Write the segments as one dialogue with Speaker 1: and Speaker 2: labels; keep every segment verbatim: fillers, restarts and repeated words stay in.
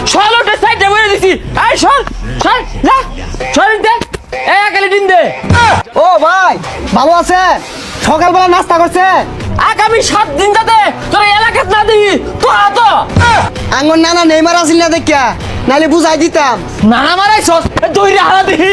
Speaker 1: সলোটে সাইডে বলে দিছি। এই সর সর যা সর দে এই একালে দিন দে।
Speaker 2: ও ভাই ভালো আছেন? সকালবেলা নাস্তা করছেন?
Speaker 1: আগামী সাত দিন যাতে তোর এলাকাত না দিই তো আতো
Speaker 2: আঙ্গন নানা নেইমার আসিল না দেখিয়া, নাইলে বুঝাই দিতাম।
Speaker 1: নানা মারাইছ দইরে হারা দিই।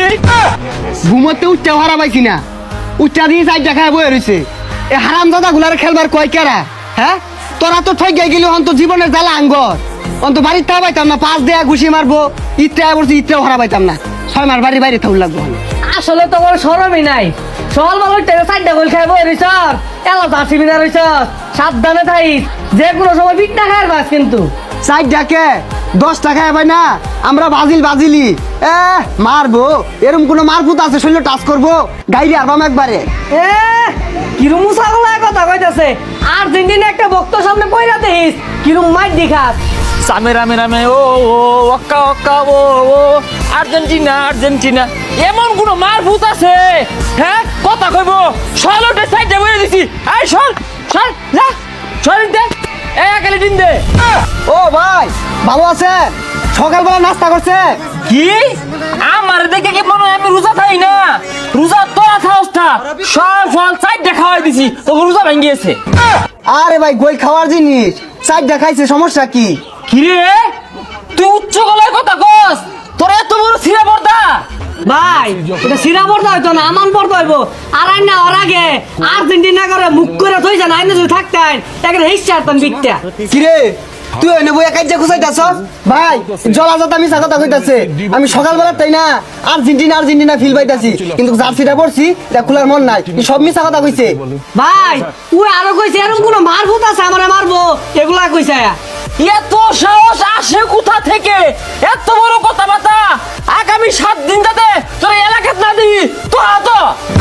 Speaker 2: ঘুমোতে উচ্চা হারা পাইছি না, উচ্চা দিয়ে সাইড দেখায় বয়ে রয়েছে। এ হারাম দাদা গুলার খেলবার কয় কেরা? হ্যাঁ তোরা তো ঠই গাই গেলি অন্ত জীবনের জ্বালা আঙ্গর অন্ত বাড়ির তা পাইতাম না, পাঁচ দেয়া ঘুষি মারবো ইত্রা বলছি ইত্রাও হারা পাইতাম না, ছয় মাস বাড়ির বাইরে থাকুন লাগবো।
Speaker 3: আসলে তো বড় সরমই নাই। সকাল ভালো টেনে সাইডটা গোল খাইব রইছ এলা জার্সি বিনা রইছ। সাবধানে থাইস, যে কোনো সময় বিটনা খায় বাস কিন্তু
Speaker 2: সাইড ডাকে দশ টাকায় ভাই না, আমরা বাজিল বাজিলি এ মারবো। এরম কোনো মারফুত আছে শরীর টাচ করবো গাইরে আরবাম একবারে।
Speaker 3: এ কিরম ছাগলায় কথা কইতাছে। আর্জেন্টিনা একটা ভক্ত সামনে পয়রা দেখিস কিরম মাইর দেখাস।
Speaker 1: সামে রামে রামে ও ও ওক্কা ওক্কা ও ও আর্জেন্টিনা আর্জেন্টিনা এমন কোন মার ভূত আছে? হ্যাঁ কথা কইব সলোটে সাইডে বলে দিছি। এই সর সর যা সর দে এই একালে দিন দে।
Speaker 2: ও ভাই ভালো আছেন? সকালবেলা নাস্তা করছে?
Speaker 1: কি আমার দেখে কি মনে হয় আমি রোজা থাই না? রোজা তোরা থাকস না, সব সব সাইডে খাওয়াই দিছি তো রোজা ভেঙে গেছে।
Speaker 2: আরে ভাই গোল খাওয়ার জিনিস সাইড দেখাইছে, সমস্যা কি?
Speaker 1: কিরে তুই উচ্চ গলায় কথা কস? তোর এত বড় ছিঁড়া পর্দা?
Speaker 3: ভাই এটা সিরা পড়তে হইতো না, আমান পড়তে হইব। আর আইন না ওর আগে আর্জেন্টিনা করে মুখ করে থই যান, আইনে যদি থাকতেন তাকে হিসছে আরতাম বিটটা।
Speaker 2: কিরে তুই এনে বই একাই যে খুঁজাইতাছ? ভাই জলাজত আমি কথা কইতাছে, আমি সকালবেলা তাই না আর্জেন্টিনা আর্জেন্টিনা ফিল পাইতাছি, কিন্তু জার্সিটা পড়ছি এটা খোলার মন নাই। এই সব মিছা কথা কইছে।
Speaker 3: ভাই ওই আরো কইছে এরকম কোন মারফুত আছে আমারে মারবো, এগুলা কইছে।
Speaker 1: এত সাহস আসে কোথা থেকে? এত বড় কথাবার্তা আগামী সাত দিন যাতে তোর এলাকাত না দিই তো আতো।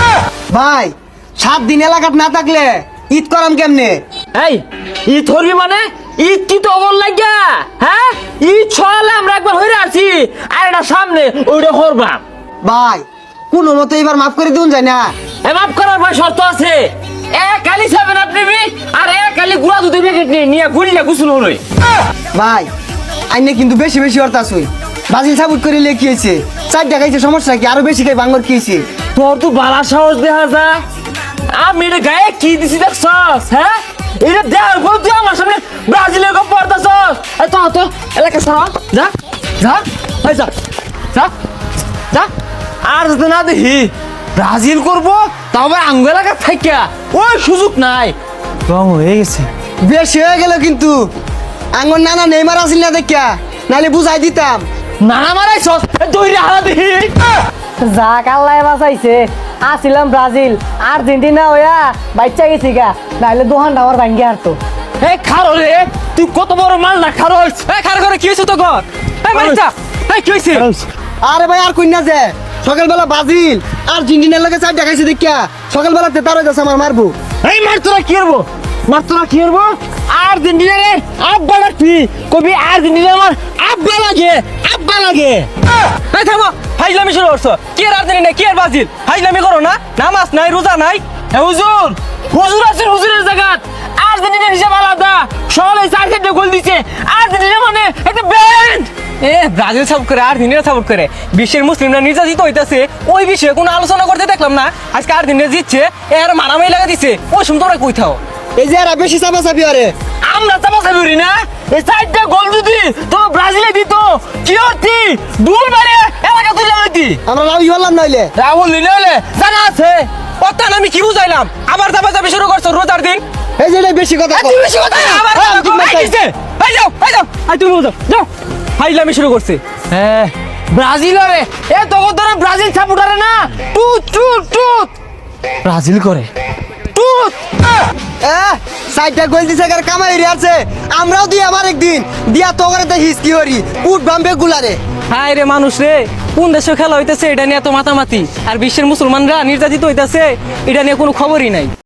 Speaker 2: ভাই সাত দিন এলাকাত না থাকলে ঈদ করাম কেমনে?
Speaker 1: এই ঈদ ধরবি মানে ঈদ কি তো অমন লাগিয়া? হ্যাঁ ঈদ ছয়ালে আমরা একবার হইরে আসি আর এটা সামনে ওইটা হরবাম।
Speaker 2: ভাই কোনো মতো এবার মাফ করে দিন যায় না?
Speaker 1: এ মাফ করার ভাই শর্ত আছে। এক কালি সেভেন আপ নিবি আর এক কালি গুড়া দুধের প্যাকেট নিয়ে নিয়ে গুলিয়া গুছুল হলই।
Speaker 2: ভাই আইনে কিন্তু বেশি বেশি অর্থাৎ বাজিল সাবুট করে লেখিয়েছে, চার দেখাইছে, সমস্যা কি? আরো বেশি খাই বাঙ্গর খেয়েছে।
Speaker 1: তোর তো বালা সাহস দেখা যা। আমি এটা গায়ে কি দিছি দেখছস? হ্যাঁ এটা দেওয়ার পর তুই আমার সামনে ব্রাজিলের গপ পড়তাছস। এই তো তো এলাকা সারা যা যা এই যা যা যা। আর যদি না দেখি ব্রাজিল করবো তাও আবার আঙ্গ এলাকা থাকিয়া ওই সুযোগ নাই। রং হয়ে গেছে,
Speaker 2: বেশি হয়ে গেল কিন্তু। আঙ্গর নানা নেইমার আসিল না দেখিয়া, নাহলে বুঝাই দিতাম।
Speaker 1: নানা মারাইছস দইরে হারা দেখি।
Speaker 3: যাক আল্লাহ বাঁচাইছে, আসিলাম ব্রাজিল আর্জেন্টিনা হইয়া বাচ্চা গেছি গা, নাহলে দোহানটা আমার ভাঙ্গে হারতো।
Speaker 1: এই খারো রে তুই কত বড় মাল না খারো। এই খারো করে কি হয়েছে তো ঘর? এই মারিচা এই কি হয়েছে?
Speaker 2: আরে ভাই আর কইনা যে সকালবেলা বাজিল আর্জেন্টিনার লাগে চার দেখাইছে দেখিয়া সকালবেলা তেতার হয়ে যাচ্ছে আমার মারবো।
Speaker 1: এই মার তোরা কি করবো? মার তোরা কি করবো? আর্জেন্টিনারে আব্বা লাগবি কবি আর্জেন্টিনা আমার আব্বা লাগে আব্বা লাগে।
Speaker 4: এই থামো, ফাইজলামি শুরু করছো। কি আর আর্জেন্টিনা কি আর ব্রাজিল? ফাইজলামি করো না, নামাজ নাই রোজা নাই।
Speaker 1: এ হুজুর হুজুর আছে হুজুরের জায়গাত। আর্জেন্টিনার হিসাব আলাদা, সবাই চার চারটে গোল দিচ্ছে। আর্জেন্টিনা মানে একটা ব্যান্ড।
Speaker 4: এ ব্রাজিল সাপোর্ট করে আর্জেন্টিনা সাপোর্ট করে বিশ্বের মুসলিমরা নির্যাতিত হইতাছে, ওই বিষয়ে কোনো আলোচনা করতে দেখলাম না। আজকে আর্জেন্টিনা জিতছে, এর মারামারি লাগা দিচ্ছে। ওই সময় তোমরা কই থাও?
Speaker 2: এই যে এরা বেশি চাপা চাপি আরে
Speaker 1: আমরা চাপা চাপি না, এই চারটা গোল যদি তো ব্রাজিলে দিত কি হতি? দুল মারে এলাকা তুলে হইতি।
Speaker 2: আমরা রাউই হলাম নইলে
Speaker 1: রাহুল নিলে হলে জানা আছে।
Speaker 4: অত্যান আমি কি বুঝাইলাম? আবার চাপা চাপি শুরু করছো রোজার দিন।
Speaker 2: এই যে এটাই বেশি কথা কও।
Speaker 1: তুই বেশি কথা
Speaker 4: আবার
Speaker 2: হ্যাঁ,
Speaker 4: চাপা
Speaker 2: ঠিক
Speaker 4: চাপি
Speaker 2: মাথায়।
Speaker 4: দিছে। এই যাও এই যাও, এই তুমি বুঝো যাও। ফাইজলামি শুরু করছে।
Speaker 1: হ্যাঁ ব্রাজিল রে এ তখন ধরে ব্রাজিল সাপোর্টারে না টুট টুট টুট ব্রাজিল করে টুট।
Speaker 2: এহ, সাইডটা গোল দিছে কার কামাই রে আছে, আমরাও দি আমার একদিন দিয়া তো করে দেখিস কি হরি উঠ বাম্বে গুলারে।
Speaker 4: হায় রে মানুষ রে, কোন দেশে খেলা হইতেছে এটা নিয়ে এত মাতামাতি, আর বিশ্বের মুসলমানরা নির্যাতিত হইতেছে এটা নিয়ে কোনো খবরই নাই।